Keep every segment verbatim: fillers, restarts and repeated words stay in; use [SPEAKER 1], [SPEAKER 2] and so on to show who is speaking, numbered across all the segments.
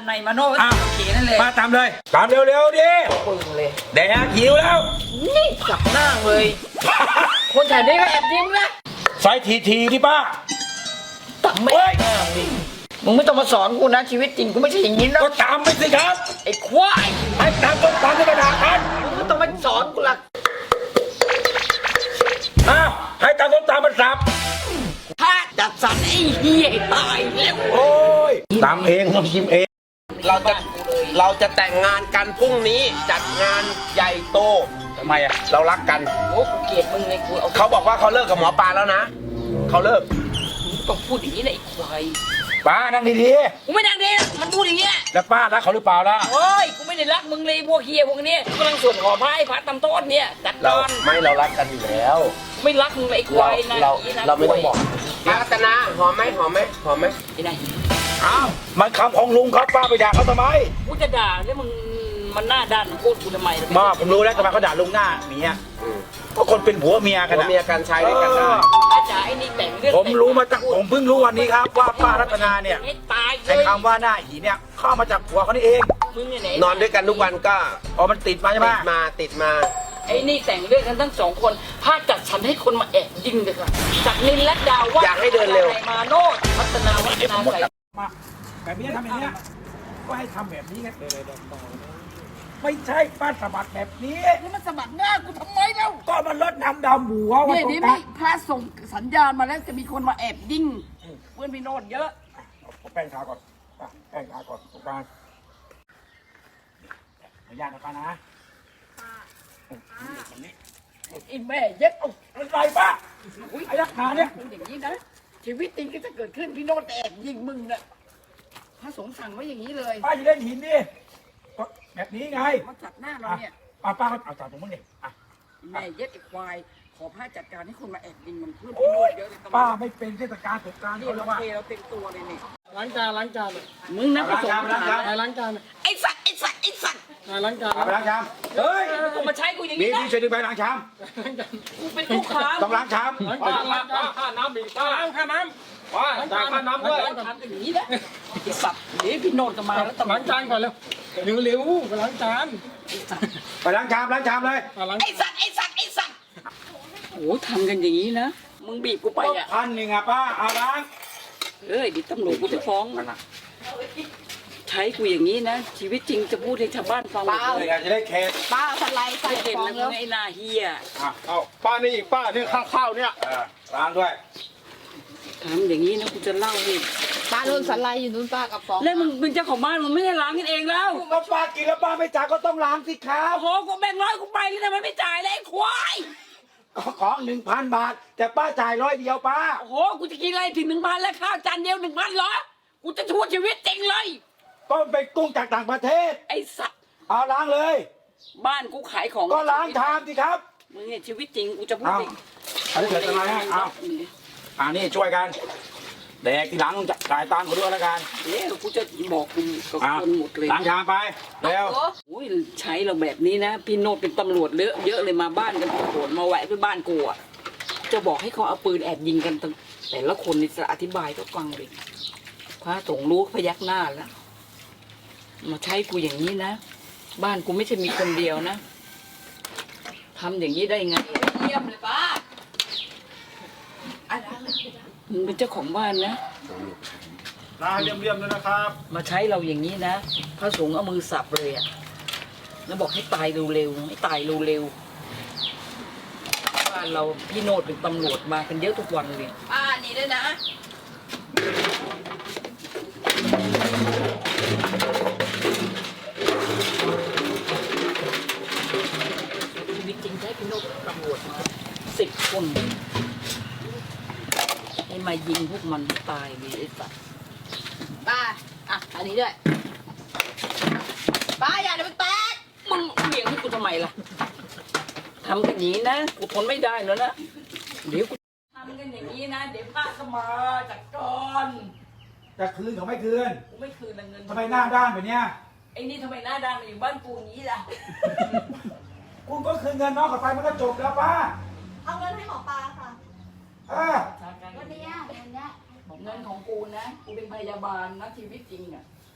[SPEAKER 1] ในมาโน่เขียนนั่นเลย
[SPEAKER 2] มาตามเลยตามเร็วๆดิ
[SPEAKER 1] ปึงเลย
[SPEAKER 2] แดกหิวแล้ว
[SPEAKER 1] นี่จับหน้าเลยคนแถวนี้ก็แอบยิ้มนะ
[SPEAKER 2] ใส่ทีทีดิป้า
[SPEAKER 1] ตังไม่มึงไม่ต้องมาสอนกูนะชีวิตจริงกูไม่ใช่อย่างนี้นะ
[SPEAKER 2] ก็ตามไปสิครับ
[SPEAKER 1] ไอ้ควาย
[SPEAKER 2] ไอ้ตามต้นตามที่กระดาษกัน
[SPEAKER 1] มึงไม่ต้องมาสอนกูละ
[SPEAKER 2] อ้าวให้ตามต้นตามมันสับ
[SPEAKER 1] ถ้าจัดสรรไอ้เหี้ยตายแล้ว
[SPEAKER 2] โอ้ยตามเองต้องชิมเอง
[SPEAKER 3] เราจะเราจะแต่งงานกันพรุ่งนี้จัดงานใหญ่โต
[SPEAKER 2] ทำไมอ่ะ
[SPEAKER 3] เรารักกัน
[SPEAKER 1] โอ้กูเกลียดมึงเลยกูเอา
[SPEAKER 3] เขาบอกว่าเขาเลิกกับหมอปลาแล้วนะเขาเลิก
[SPEAKER 1] ต้องพูดอย่างนี้เลยไอ้ควาย
[SPEAKER 2] ป้านั่งดี
[SPEAKER 1] ๆกูไม่นั่งดีมันพูดอย่างเงี้ย
[SPEAKER 2] แล้วป้ารักเขาหรือเปล่าล่ะ
[SPEAKER 1] โอ้ยกูไม่ได้รักมึงเลยพวกเฮียพวกนี้กำลังสวดขอพระไอ้พระตำต้นเนี่ยจัดการ
[SPEAKER 3] ไม่เรารักกันอยู่แล้ว
[SPEAKER 1] ไม่รักมึงเลยไอ้ควายนะ
[SPEAKER 3] เราเราไม่ต้องบอกป้ารัตนาหอมไหมหอมไหมหอมไหม
[SPEAKER 1] ไอ้นาย
[SPEAKER 2] อ้าวมันคำของลุงครับป้าไปด่าเขาทำไม
[SPEAKER 1] กูจะด่าแล้วมึงมันหน้าด้านพูดกูทำไม
[SPEAKER 2] มาผมรู้แล้วทำไมเขาด่าลุงหน้าเมียเพราะคนเป็นผัวเมียกัน
[SPEAKER 3] นะเมียกันใช้ด้วยกันได้
[SPEAKER 1] อาจารย์ไอ้นี่แต่งเรื่อง
[SPEAKER 2] ผมรู้มาตั้งผมเพิ่งรู้วันนี้ครับว่าป้ารัตนาเนี่ยไอ้คำว่าหน้าหีเนี่ยเข้ามาจากผัวเขานี่เอง
[SPEAKER 3] นอนด้วยกันทุกวันก็
[SPEAKER 2] อ๋อมันติดมาใช่ไหม
[SPEAKER 3] ติดมาติดมา
[SPEAKER 1] ไอ้นี่แต่งเรื่องกันทั้งสองคนพาจัดฉันให้คนมาแอบยิงเลยค่ะจากนินและดาวว่า
[SPEAKER 3] อยากให้เดินเร็ว
[SPEAKER 1] มาโนดพัฒนาวัฒนาใส่
[SPEAKER 2] มาแบบนี้ทำอย่างนี้ก็ให้ทำแบบนี้ไงไม่ใช่ป้าสะบัดแบบนี้
[SPEAKER 1] นี่มันสะบัดหน้ากูทำไมแล้ว
[SPEAKER 2] ก็มันลดน้ำดำหัว
[SPEAKER 1] ว่าเนี่ยนี่มีพระส่งสัญญาณมาแล้วจะมีคนมาแอบยิงเพื่อนพี่โนดเยอะ
[SPEAKER 2] แป้งทาก่อนแป้งทาก่อนตรงกลางขออนุญาตนะป้านะ
[SPEAKER 1] ไอ้แม่เย็ดเอา
[SPEAKER 2] อะไรป้าไอ้ยักษ์ขาเนี่ย
[SPEAKER 1] อย่างนี้นะชีวิตจริงก็จะเกิดขึ้นพี่โนดแอบยิงมึงนะพระสงฆ์สั่งไว้อย่างนี้เลย
[SPEAKER 2] ป้าอย่าเล่นหินดิแบบนี้ไง
[SPEAKER 1] มาจัดหน้าเราเนี่ย
[SPEAKER 2] ป้าป้าก็เอาจัดตรงนู้นดิ
[SPEAKER 1] แม่เย็ดไอ้ควายขอพระจัดการให้คนมาแอบยิงมันเพื่อนพี่โนดเยอะเลย
[SPEAKER 2] ป้าไม่เป็นเทศกาลสงกรานต์
[SPEAKER 1] นี่เราเทเราเต็มตัวเลยนี่
[SPEAKER 4] ล้างจานล้างจาน
[SPEAKER 1] มึงนะพระสงฆ์
[SPEAKER 4] ล้างจานล้างจาน
[SPEAKER 1] ไอ้สัตว์ไอ้สัตว์ไอ้สัตว์
[SPEAKER 4] ล้างจาน
[SPEAKER 2] ล้างชามเฮ้ย
[SPEAKER 1] กูมาใช้กูอย่าง
[SPEAKER 2] นี้นะมีที่ช่วยดึงไปล้างชาม
[SPEAKER 1] กูเป็นลูกค้า
[SPEAKER 2] ต้องล้างชาม
[SPEAKER 4] ล้างจานล้างจานค่าน้ำบีบค่าน้ำค่าน้ำว้าจ่ายค่าน้ำด้วย
[SPEAKER 1] ล้างจานกันอย่างนี้นะไอ้สัตว์เดี๋ยวพี่โนดจะมาแล้วต้อง
[SPEAKER 4] ล้างจานก่อนเร็วเร็วเร็วไปล้างจาน
[SPEAKER 2] ไปล้างชามล้างชามเลย
[SPEAKER 1] ไอ้สัตว์ไอ้สัตว์ไอ้สัตว์โอ้ทำกันอย่างนี้นะมึงบีบกูไปอ่ะ
[SPEAKER 2] พันหนึ่งอ่ะป้าเอาล้าง
[SPEAKER 1] เอ้ยดิตำรวจกูจะฟ้องใช้กูอย่างนี้นะชีวิตจริงจะพูดให้ชาวบ้านฟัง
[SPEAKER 2] เลยจะได้เคส
[SPEAKER 1] ป้าสไลด์ใส่ฟองแล้วไอ้นาเฮีย
[SPEAKER 4] เอาป้านี่อีกป้านี่ข้าวข้าวเนี่ย
[SPEAKER 2] ล้างด้วย
[SPEAKER 1] ทำอย่างนี้นะกูจะเล่าให้
[SPEAKER 5] ป้าโดนสไลด์อยู่นู้นป้ากับฟอง
[SPEAKER 1] แล้วมึงเป็นเจ้าของบ้านมึงไม่ได้ล้างกันเองแล้ว
[SPEAKER 2] ก็ป้ากินแล้วป้าไม่จ่ายก็ต้องล้างสิครับ
[SPEAKER 1] โอ้โหกูแบ่งร้อยกูไปแล้วทำไมไม่จ่ายเลยไอ้ควาย
[SPEAKER 2] ของหนึ่งพันบาทแต่ป้าจ่ายร้อยเดียวป้า
[SPEAKER 1] โอ้โหกูจะกินอะไรถึงหนึ่งพันแล้วข้าวจานเดียวหนึ่งพันเหรอกูจะช่วยชีวิตจริงเลย
[SPEAKER 2] ก็เป็นกุ้งจากต่างประเทศ
[SPEAKER 1] ไอ้สัตว์
[SPEAKER 2] เอาล้างเลย
[SPEAKER 1] บ้านกูขายของ
[SPEAKER 2] ก็ล้างชามสิครับ
[SPEAKER 1] มึงเนี่ยชีวิตจริงกูจะพูดจริง
[SPEAKER 2] อันนี้เกิดอะไรฮะเอาอันนี้ช่วยกันแดกทีหลังจ่ายตังค์เขาด้วยแล้วกัน
[SPEAKER 1] เดี๋ยวกูจะบอกคุณกับคนหมดเลย
[SPEAKER 2] ล้างชามไปเร็ว
[SPEAKER 1] โอ้ยใช้เราแบบนี้นะพี่โนดเป็นตำรวจเยอะเยอะเลยมาบ้านกันโผล่มาแวะที่บ้านกูอ่ะจะบอกให้เขาเอาปืนแอบยิงกันแต่ละคนนี่จะอธิบายก็ฟังเลยพระสงฆ์รู้พยักหน้าแล้วมาใช้กูอย่างนี้นะบ้านกูไม่ใช่มีคนเดียวนะทำอย่างนี้ได้ไงเยี่ยมเลยป้ามึงเป็นเจ้าของบ้านนะ
[SPEAKER 4] ลาเลี่ยมๆเลยนะครับ
[SPEAKER 1] มาใช้เราอย่างนี้นะพระสงฆ์เอามือสับเลยอ่ะแล้วบอกให้ตายเร็วๆให้ตายเร็วๆบ้านเราพี่โนดเป็นตำรวจมากันเยอะทุกวันเลยป้านี่ด้วยนะชีวิตจริงใช้พี่โนดเป็นตำรวจมาสิบคนให้มายิงพวกมันตายเลยไอ้สัตว์
[SPEAKER 5] ป้าอ่ะอันนี้ด้วยป้าอย่าเดี๋ยวมันแตก
[SPEAKER 1] มึงเบี่ยงให้กูทำไมล่ะทำกันอย่างนี้นะกูทนไม่ได้แล้วนะเดี๋ยวกูทำกันอย่างนี้นะเดี๋ยวป้าก็มาจัดการ
[SPEAKER 2] จะคืนเขาไม่คืน
[SPEAKER 1] กูไม่คืนเงิน
[SPEAKER 2] ทำไมหน้าด้านแบบเนี้ย
[SPEAKER 1] ไอ้นี่ทำไมหน้าด้านมาอยู่บ้านกูอย่างนี้ล่ะ
[SPEAKER 2] คุณก็คืนเงินน้องเขาไปมันก็จบแล้วป้า
[SPEAKER 5] เอาเงินให้หมอปลาค่ะ
[SPEAKER 2] เออ
[SPEAKER 5] วันนี้เงินเนี้ย
[SPEAKER 1] เงินของกูนะกูเป็นพยาบาลนะชีวิตจริงอ่ะ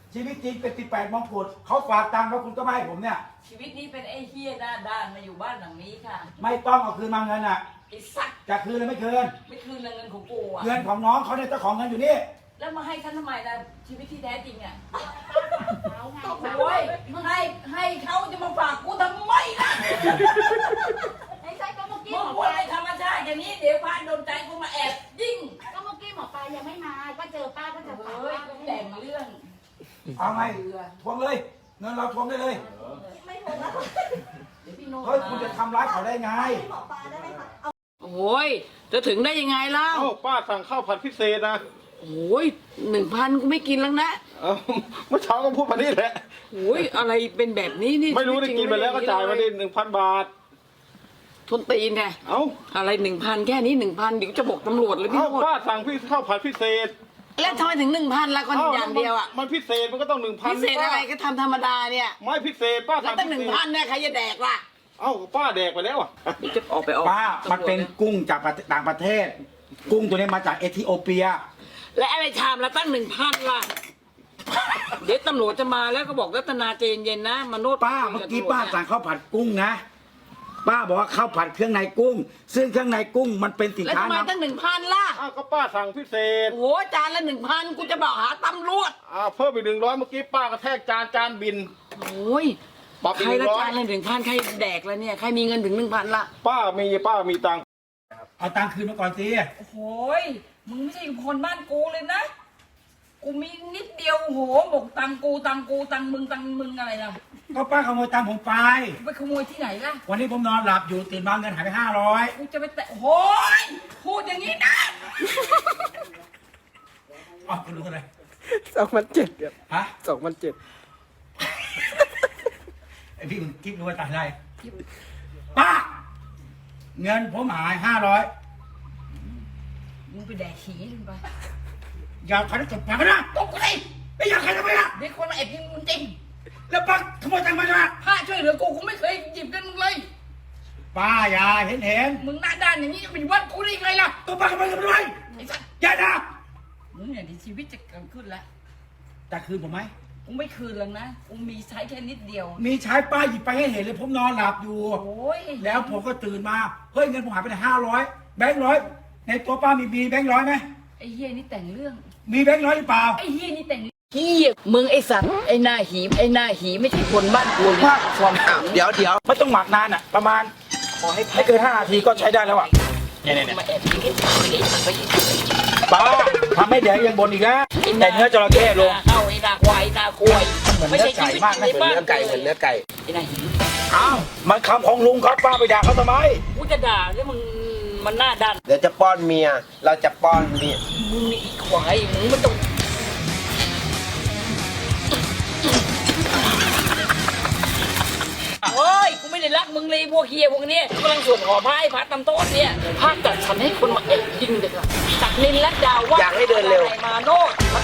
[SPEAKER 2] ชีวิตจริงเป็นสิบแปดมงกุฎเขาฝากตังค์แล้วคุณก็ไม่ให้ผมเนี่ย
[SPEAKER 1] ชีวิตนี้เป็นไอ้เฮียหน้าด้านมาอยู่บ้านหลังนี้ค่ะ
[SPEAKER 2] ไม่ต้องเอาคืนมาเงินอ่ะ
[SPEAKER 1] ไอ้สัตว์
[SPEAKER 2] จะคืนหรือไม่คืน
[SPEAKER 1] ไม่คืนเงินของกูอ่ะ
[SPEAKER 2] เงินของน้องเขาเนี่ยเจ้าของเงินอยู่นี่
[SPEAKER 1] แล้วมาให้ฉันทำไมล่ะชีวิตที่แท้จริงอ่ะ
[SPEAKER 5] ก็
[SPEAKER 1] โอ้ยให้ให้เขาจะมาฝากกูทำไมล่ะ
[SPEAKER 5] ไม่ใช่ก็เมื่อกี้
[SPEAKER 1] มึ
[SPEAKER 5] ห
[SPEAKER 1] ง
[SPEAKER 5] มอ
[SPEAKER 1] พู
[SPEAKER 5] ป
[SPEAKER 1] ด
[SPEAKER 5] ลา
[SPEAKER 1] อะไรธรรมชาติอย่างนี้เดี๋ยวพาโดนใจกูมาแอบยิง
[SPEAKER 5] ก็เมื่อกี้หมอปลายังไม่มาก็เจอป้าก็จะฝาก
[SPEAKER 1] เฮ้ย
[SPEAKER 5] ป้า
[SPEAKER 1] แต่งเรื่อง
[SPEAKER 2] เอาไงทวงเลยเงินเราทวงได้เลย
[SPEAKER 5] ไม่ถูกแล้ว
[SPEAKER 1] เดี๋ยวพี่โน้ต
[SPEAKER 2] เฮ้ยคุณจะทำร้ายเขาได้ไง
[SPEAKER 5] หมอปลาได้ไหมคะเอา
[SPEAKER 1] โอ้ยจะถึงได้ยังไงเล่า
[SPEAKER 4] เอ้าป้าสั่งข้าวผัดพิเศษนะ
[SPEAKER 1] โอ้ยหนึ่งพันกูไม่กินแล้วนะ
[SPEAKER 4] เอ้าเมื่อเช้าก็พูดมานี่แหละ
[SPEAKER 1] โอ้ยอะไรเป็นแบบนี้นี่
[SPEAKER 4] ไม่รู้ได้กินไปแล้วก็จ่ายมาดิหนึ่งพันบาท
[SPEAKER 1] ทนตีนไง
[SPEAKER 4] เอ้า
[SPEAKER 1] อะไรหนึ่งพันแค่นี้หนึ่งพันเดี๋ยวจะบอกตำรวจเลยพี่
[SPEAKER 4] เอ้า
[SPEAKER 1] โน้ต
[SPEAKER 4] ป้าสั่งพี่ข้าวผัดพิเศษ
[SPEAKER 1] แล้วทำไมถึงหนึ่งพันละคนอย่างเดียวอ่ะ
[SPEAKER 4] มันพิเศษมันก็ต้องหนึ่งพัน
[SPEAKER 1] พิเศษอะไรก็ทำธรรมดาเนี่ย
[SPEAKER 4] ไม่พิเศษป้า
[SPEAKER 1] แล้ว
[SPEAKER 4] สั่ง
[SPEAKER 1] ตั้งหนึ่งพันเนี่ยใครจะแดกล่ะ
[SPEAKER 4] เอ้าป้าแดกไปแล้วอ่ะ
[SPEAKER 1] เดี๋ยวจะออกไปออก
[SPEAKER 2] ป้า มันเป็นกุ้งจากต่างประเทศ กุ้งตัวนี้มาจากเอธิโอเปีย
[SPEAKER 1] และอะไรชามละตั้งหนึ่งพันล่ะ เดี๋ยวตำรวจจะมาแล้วก็บอกรัตนาเจนเย็นนะมาโนด
[SPEAKER 2] ป้าเมื่อกี้ป้าสั่งข้าวผัดกุ้งนะ ป้าบอกว่าข้าวผัดเครื่องในกุ้ง ซึ่งเครื่องในกุ้งมันเป็นสิน
[SPEAKER 1] แล้ว
[SPEAKER 2] ค้า
[SPEAKER 1] ทำไม
[SPEAKER 2] นำ
[SPEAKER 1] ตั้งหนึ่งพันล่ะ
[SPEAKER 4] อ้าวก็ป้าสั่งพิเศษ
[SPEAKER 1] โอ้โหจานละหนึ่งพันกูจะบอกหาตำรวจ
[SPEAKER 4] อ้าวเพิ่มไปหนึ่งร้อยเมื่อกี้ป้ากระแทกจานจานบิน
[SPEAKER 1] โอ้ย
[SPEAKER 4] ปรับอี
[SPEAKER 1] ใค
[SPEAKER 4] ก
[SPEAKER 1] ร
[SPEAKER 4] หนึ่
[SPEAKER 1] ละ
[SPEAKER 4] งร้อย
[SPEAKER 1] จานละหนึ่งพันใครแดกแล้วเนี่ยใครมีเงินถึงหนึ่งพันละ
[SPEAKER 4] ป้ามีป้ามีตังค์
[SPEAKER 2] เอาตังค์คืนมาก่อนสิ
[SPEAKER 1] โอ้โหยมึงไม่ใช่คนบ้านกูเลยนะ กูมีนิดเดียวโอ้โหบอกตังกูตังกูตังมึงตังมึงอะไรนะ
[SPEAKER 2] ก็ป้าขโมยตังค์ผมไป
[SPEAKER 1] ไปขโมยที่ไหนล่ะ
[SPEAKER 2] วันนี้ผมนอนหลับอยู่ตื่นมาเงินหายไปห้าร้อย
[SPEAKER 1] กูจะไปแตะโอ้โหยพูดอย่างนี้นะ
[SPEAKER 2] อ๋อคุณรู้อะไร
[SPEAKER 6] สองพันเจ็ดครับ
[SPEAKER 2] ฮะ
[SPEAKER 6] สองพันเจ็ด
[SPEAKER 2] ไอพี่มึงคิดรู้ว่าตายได้ป้า เงินผมหายห้าร้อย
[SPEAKER 1] มึงไปแดกขี้ลงไป
[SPEAKER 2] อย่าใครจะจบปากกันนะ
[SPEAKER 1] ตกใจ
[SPEAKER 2] ไม่อยากใครจะไปนะ
[SPEAKER 1] เด็กคนมาแอบยิงมึงจริง
[SPEAKER 2] แล้วป้าขโมยตังค์มาใช่ไหม
[SPEAKER 1] ผ้าช่วยเหลือกูกูไม่เคยหยิบกันมึงเลย
[SPEAKER 2] ป้าอย่าเห็นเห็น
[SPEAKER 1] มึงหน้าด้านอย่างนี้จะเป็นวัดกูได้ยังไงล่ะ
[SPEAKER 2] ตัวป้าขโมยเงินไปด้วย
[SPEAKER 1] ไอ้สัส
[SPEAKER 2] อย่านะ
[SPEAKER 1] มึงเนี่ยเดี๋ยวชีวิตจะเกิดขึ้นแล้ว
[SPEAKER 2] จะคืนผมไหม
[SPEAKER 1] กูไม่คืนแล้วนะ กูมีใช้แค่นิดเดียว
[SPEAKER 2] มีใช้ป้าหยิบไปให้เห็นเลยผมนอนหลับอยู่
[SPEAKER 1] โอ้ย
[SPEAKER 2] แล้วผมก็ตื่นมา เฮ้ยเงินผมหายไปห้าร้อยแบงค์ร้อยในตัวป้ามีมีแบงค์ร้อยไหม
[SPEAKER 1] ไอ้เฮียนี่แต่งเรื่อง
[SPEAKER 2] มีแบงค์ร้อยหรือเปล่า
[SPEAKER 1] ไอ้เฮียนี่แต่งเฮียมึงไอ้สัตว์ไอ้หน้าหีไอ้หน้าหีไม่ใช่คนบ้านกูเลยความ
[SPEAKER 3] อ้าวเดี๋ยวเดี๋ยว
[SPEAKER 2] ไม่ต้องหมักนานอ่ะ ประมาณขอให้ไม่เกินห้านาทีก็ใช้ได้แล้วอ่ะเนี่ยเนี่ย
[SPEAKER 1] มาแอบยิงไอ้สัตว์ไอ้สัตว์ไอ้สัตว์
[SPEAKER 2] ป้าทำให้แดงยังบนอีกแล้วแต่เนื้อจระเข้ลง
[SPEAKER 1] เข้าไอ้หน้าควายหน้าควาย
[SPEAKER 2] เหมือนเนื้อไก่มากนะ
[SPEAKER 3] เหมือนเนื้อไก่เหมือนเนื้อไก่
[SPEAKER 1] ไอ้หน้าหี
[SPEAKER 2] อ้าวมันคำของลุงครับป้าไปด่าเขาทำไม
[SPEAKER 1] กูจะด่าแล้วมึงมันหน้าด้าน
[SPEAKER 3] เดี๋ยวจะป้อนเมีย เราจะป้อนเมีย
[SPEAKER 1] มึงนี่อีควายมึงมันต้องโอ้ยกูไม่ได้รักมึงเลยพวกเฮียพวกเนี้ยกำลังสวดขอพระให้พระตำโต๊ะเนี่ยพระจัดฉันให้คนมาแอบยิงเด็กอะจากนินและดาวว่า
[SPEAKER 3] อยากให้เดินเร็ว
[SPEAKER 1] มาโนดมา